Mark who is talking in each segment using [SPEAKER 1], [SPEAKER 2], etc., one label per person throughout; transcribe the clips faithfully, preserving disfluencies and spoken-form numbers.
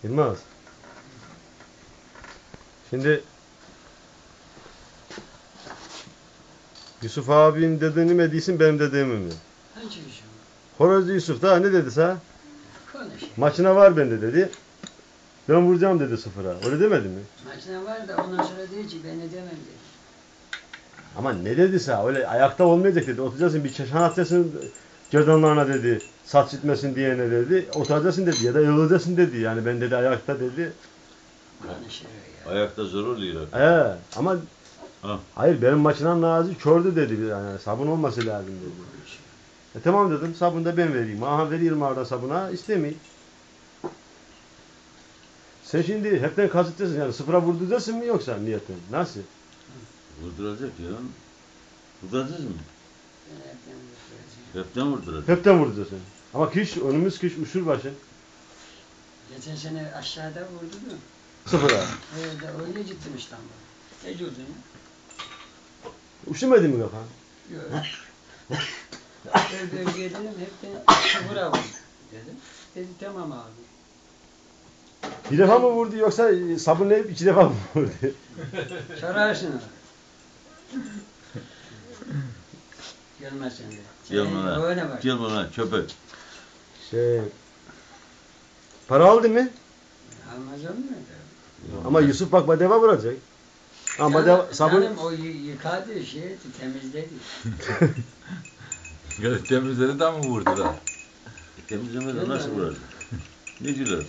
[SPEAKER 1] Yılmaz. Şimdi Yusuf abinin dediğini mi değilsin, benim dediğimi mi?
[SPEAKER 2] Hangi Yusuf?
[SPEAKER 1] Horozlu Yusuf da ne dedi sana?
[SPEAKER 2] Konuş.
[SPEAKER 1] Maçına var bende dedi. Ben vuracağım dedi sıfıra. Öyle demedi mi?
[SPEAKER 2] Maçına var da ondan sonra diyor ki ben edemem dedi.
[SPEAKER 1] Ama ne dedi sana? Öyle ayakta olmayacak dedi. Oturacaksın bir çeşan atacaksın gerdanlarına dedi. Saç gitmesin diyene dedi. Oturacaksın dedi ya da yığılacaksın dedi. Yani ben dedi ayakta dedi.
[SPEAKER 2] Konuşuyor ya.
[SPEAKER 3] Ayakta zor oluyor.
[SPEAKER 1] Ee, ama
[SPEAKER 3] Ha.
[SPEAKER 1] hayır benim maçından nazi kördü dedi. Yani sabun olması lazım dedi. E tamam dedim, sabunu da ben vereyim. Aha veriyorum orada sabuna, istemeyin. Sen şimdi hepten kazıtıyorsun yani sıfıra vurduracaksın mı yoksa niyetin? Nasıl?
[SPEAKER 3] Vurduracak ya. Vurduracağız mı?
[SPEAKER 2] Ben hepten vuracağım.
[SPEAKER 3] Hepten vurduracak.
[SPEAKER 1] Hepten vurduracaksın. Ama kış, önümüz kış uçur başı.
[SPEAKER 2] Geçen sene aşağıda vurdu mu?
[SPEAKER 1] Sıfıra.
[SPEAKER 2] Öyle, öyle gittim İstanbul'a. Ne gördün?
[SPEAKER 1] Üşümedi mi kafan?
[SPEAKER 2] Yok. Ben bölgeye dedim hepten sıfıra vur dedim. Dedi tamam abi.
[SPEAKER 1] Bir defa mı vurdu yoksa sabunlayıp iki defa mı vurdu?
[SPEAKER 2] Sorarsın ona. Gelmez sen de.
[SPEAKER 3] Gel
[SPEAKER 2] Sen
[SPEAKER 3] bana.
[SPEAKER 2] öyle bak.
[SPEAKER 3] Gel bana köpek.
[SPEAKER 1] Şey, para aldı mı?
[SPEAKER 2] Almaz olur mu?
[SPEAKER 1] Ama Yusuf bak badeva vuracak. Ama badeva sabun...
[SPEAKER 2] Canım o y- yıkadı şey temizledi.
[SPEAKER 4] Göz temizleri de mi vurdular?
[SPEAKER 3] Temizlemeden nasıl vuracak? Ne diyorlar?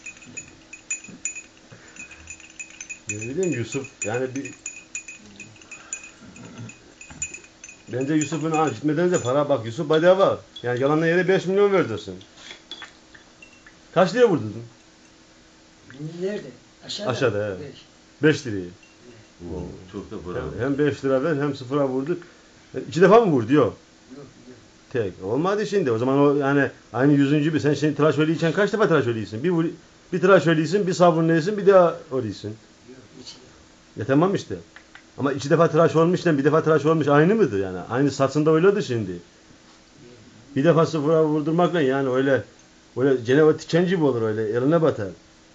[SPEAKER 1] Ne bileyim Yusuf yani bir... Bence Yusuf'un ha gitmeden de para bak Yusuf badeva. Yani yalanla yere beş milyon vereceksin. Kaç liraya vurdun?
[SPEAKER 2] Nerede? Aşağıda.
[SPEAKER 1] Aşağıda, evet.
[SPEAKER 2] Beş.
[SPEAKER 1] beş lirayı.
[SPEAKER 3] Oo, çok da para.
[SPEAKER 1] Hem, hem beş lira ver hem sıfıra vurdu. E, İki defa mı vurdu? Yok.
[SPEAKER 2] Yok yok.
[SPEAKER 1] Tek. Olmadı şimdi. O zaman o yani aynı yüzüncü bir. Sen şimdi tıraş öyleyken kaç defa tıraş öyleysin? Bir, vur- bir tıraş öyleysin, bir sabunlayısın, bir daha öyleysin.
[SPEAKER 2] Yok hiç yok.
[SPEAKER 1] Ya tamam işte. Ama iki defa tıraş olmuşla bir defa tıraş olmuş aynı mıdır yani? Aynı saçında öyledir şimdi. Bir defa sıfıra vurdurmakla yani öyle öyle Ceneva tiken gibi olur öyle eline batar.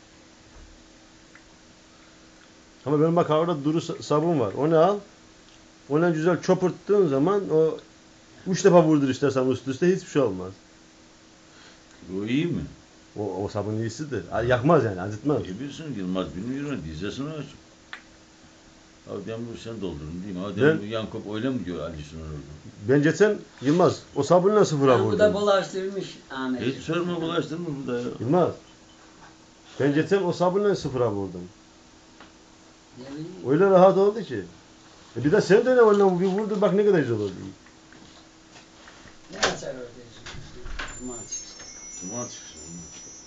[SPEAKER 1] Ama benim bak orada duru sa- sabun var. Onu al. Ona güzel çopurttuğun zaman o üç defa vurdur istersen üst üste hiçbir şey olmaz.
[SPEAKER 3] O iyi mi?
[SPEAKER 1] O, o sabun iyisidir. Ha, yakmaz yani acıtmaz.
[SPEAKER 3] E bilsin Yılmaz bilmiyorum. Dizesini aç. Adem bu sen doldurun değil mi?
[SPEAKER 1] Ben-
[SPEAKER 3] Adem Yankop öyle mi diyor Ali Sunar orada?
[SPEAKER 1] Ben geçen Yılmaz o sabunla sıfıra
[SPEAKER 2] Bu da
[SPEAKER 1] vurdum.
[SPEAKER 2] bulaştırmış Ahmet.
[SPEAKER 3] Hiç sorma bulaştırma burada ya.
[SPEAKER 1] Yılmaz. Ben geçen o sabunla sıfıra vurdum.
[SPEAKER 2] Ne bileyim.
[SPEAKER 1] Öyle rahat oldu ki. E bir de sen de ne onunla bir vurdur bak ne kadar güzel oldu.
[SPEAKER 2] Ne açar orada? Duman çıksın.
[SPEAKER 3] Duman çıksın.